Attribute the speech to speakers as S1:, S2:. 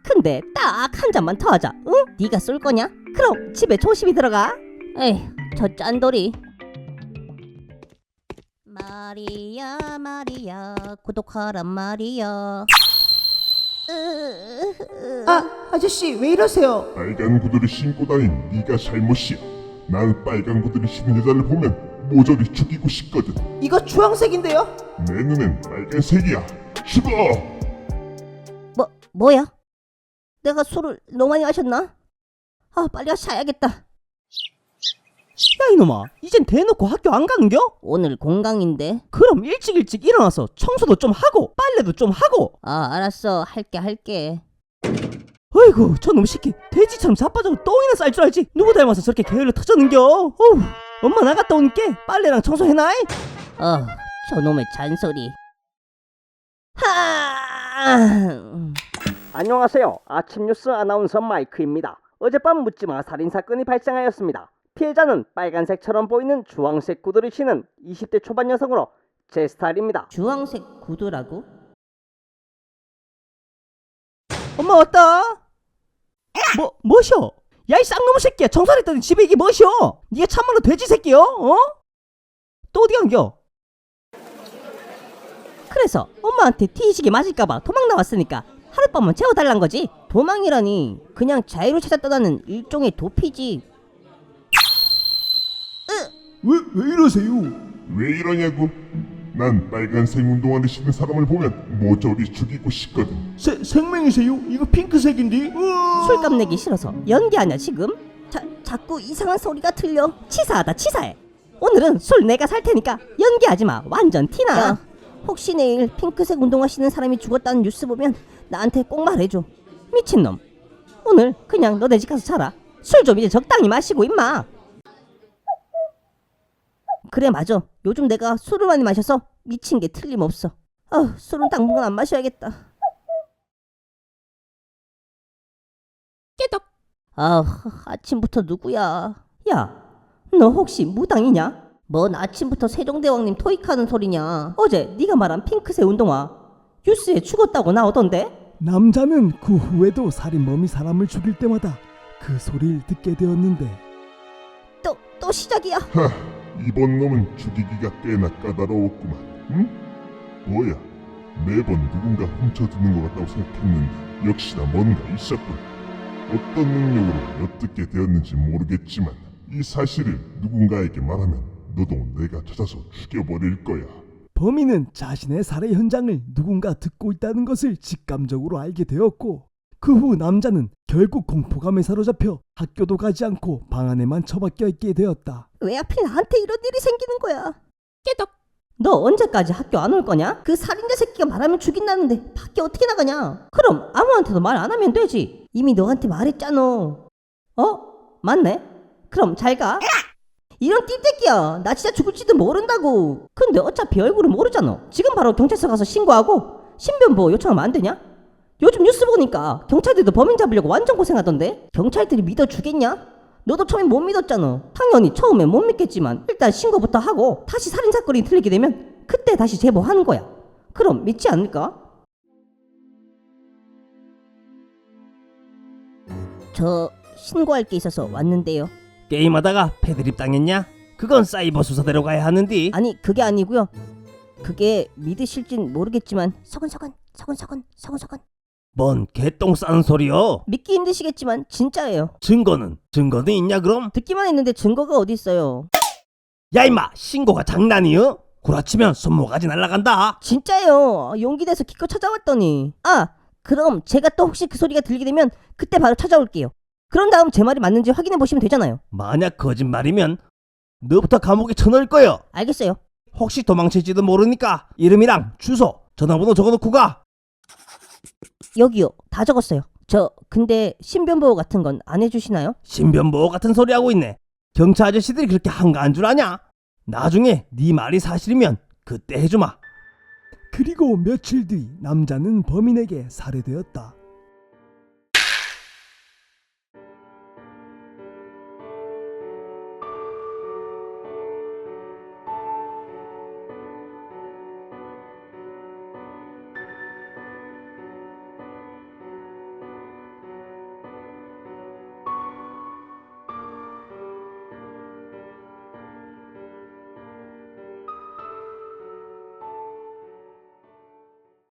S1: 근데 딱 한 잔만 더 하자. 응? 네가 쏠 거냐? 그럼 집에 조심히 들어가. 에이, 저 짠돌이. 마리아 마리아 구독하란 말이야.
S2: 아저씨 왜 이러세요?
S3: 빨간 구두를 신고 다닌 네가 잘못이야. 난 빨간 구두를 신는 여자를 보면 모조리 죽이고 싶거든.
S2: 이거 주황색인데요?
S3: 내 눈엔 빨간색이야. 죽어!
S1: 뭐야? 내가 술을 너무 많이 마셨나? 빨리 가서 자야겠다.
S2: 야 이놈아, 이젠 대놓고 학교 안 가는겨?
S1: 오늘 공강인데.
S2: 그럼 일찍 일어나서 청소도 좀 하고 빨래도 좀 하고.
S1: 알았어. 할게.
S2: 어이구, 저놈 새끼 돼지처럼 자빠져서 똥이나 쌀 줄 알지. 누구 닮아서 저렇게 게을러 터졌는겨? 어우, 엄마 나갔다 오니께 빨래랑 청소해놔이.
S1: 저놈의 잔소리.
S4: 안녕하세요. 아침 뉴스 아나운서 마이크입니다. 어젯밤 묻지마 살인사건이 발생하였습니다. 피해자는 빨간색처럼 보이는 주황색 구두를 신은 20대 초반 여성으로 제 스타일입니다.
S1: 주황색 구두라고?
S2: 엄마 왔다. 뭐셔? 야 이 쌍놈의 새끼야, 청소를 했더니 집에 이게 뭐셔? 니가 참말로 돼지 새끼여? 또 어디 간겨?
S1: 그래서 엄마한테 뒤지게 맞을까봐 도망 나왔으니까 하룻밤만 재워달란 거지. 도망이라니 그냥 자유를 찾아 떠나는 일종의 도피지.
S3: 왜 이러세요? 왜 이러냐고? 난 빨간색 운동화를 신는 사람을 보면 모조리 죽이고 싶거든.
S5: 생명이세요? 이거 핑크색인데?
S1: 술값 내기 싫어서 연기하냐 지금? 자꾸 이상한 소리가 들려. 치사하다 치사해. 오늘은 술 내가 살 테니까 연기하지마. 완전 티나. 야, 혹시 내일 핑크색 운동화 신는 사람이 죽었다는 뉴스 보면 나한테 꼭 말해줘. 미친놈. 오늘 그냥 너네 집 가서 자라. 술 좀 이제 적당히 마시고 임마. 그래 맞아. 요즘 내가 술을 많이 마셔서 미친 게 틀림없어. 술은 당분간 안 마셔야겠다. 깨덕. 아침부터 누구야? 야, 너 혹시 무당이냐? 뭔 아침부터 세종대왕님 토익하는 소리냐? 어제 네가 말한 핑크색 운동화 뉴스에 죽었다고 나오던데?
S5: 남자는 그 후에도 살인범이 사람을 죽일 때마다 그 소리를 듣게 되었는데.
S1: 또 시작이야.
S3: 이번 놈은 죽이기가 꽤나 까다로웠구만. 응? 뭐야? 매번 누군가 훔쳐드는 것 같다고 생각했는데 역시나 뭔가 있었군. 어떤 능력으로 엿듣게 되었는지 모르겠지만 이 사실을 누군가에게 말하면 너도 내가 찾아서 죽여버릴 거야.
S5: 범인은 자신의 살해 현장을 누군가 듣고 있다는 것을 직감적으로 알게 되었고, 그 후 남자는 결국 공포감에 사로잡혀 학교도 가지 않고 방 안에만 처박혀 있게 되었다.
S1: 왜 하필 나한테 이런 일이 생기는 거야? 깨덕. 너 언제까지 학교 안 올 거냐? 그 살인자 새끼가 말하면 죽인다는데 밖에 어떻게 나가냐? 그럼 아무한테도 말 안 하면 되지. 이미 너한테 말했잖아. 맞네. 그럼 잘 가. 이런 띠떼끼야. 나 진짜 죽을지도 모른다고. 근데 어차피 얼굴은 모르잖아. 지금 바로 경찰서 가서 신고하고 신변보호 요청하면 안 되냐? 요즘 뉴스 보니까 경찰들도 범인 잡으려고 완전 고생하던데? 경찰들이 믿어주겠냐? 너도 처음에 못 믿었잖아. 당연히 처음엔 못 믿겠지만 일단 신고부터 하고 다시 살인사건이 들리게 되면 그때 다시 제보하는 거야. 그럼 믿지 않을까? 저 신고할 게 있어서 왔는데요.
S2: 게임하다가 패드립 당했냐? 그건 사이버 수사대로 가야 하는데.
S1: 아니 그게 아니고요. 그게 믿으실진 모르겠지만 서근서근
S2: 뭔 개똥 싸는 소리여?
S1: 믿기 힘드시겠지만 진짜예요.
S2: 증거는 있냐 그럼?
S1: 듣기만 했는데 증거가 어디 있어요.
S2: 야 임마, 신고가 장난이여? 구라치면 손모가지 날라간다.
S1: 진짜예요. 용기 내서 기껏 찾아왔더니. 그럼 제가 또 혹시 그 소리가 들리게 되면 그때 바로 찾아올게요. 그런 다음 제 말이 맞는지 확인해 보시면 되잖아요.
S2: 만약 거짓말이면 너부터 감옥에 쳐넣을 거여.
S1: 알겠어요.
S2: 혹시 도망칠지도 모르니까 이름이랑 주소, 전화번호 적어놓고 가.
S1: 여기요. 다 적었어요. 근데 신변보호 같은 건 안 해주시나요?
S2: 신변보호 같은 소리 하고 있네. 경찰 아저씨들이 그렇게 한가한 줄 아냐? 나중에 네 말이 사실이면 그때 해주마.
S5: 그리고 며칠 뒤 남자는 범인에게 살해되었다.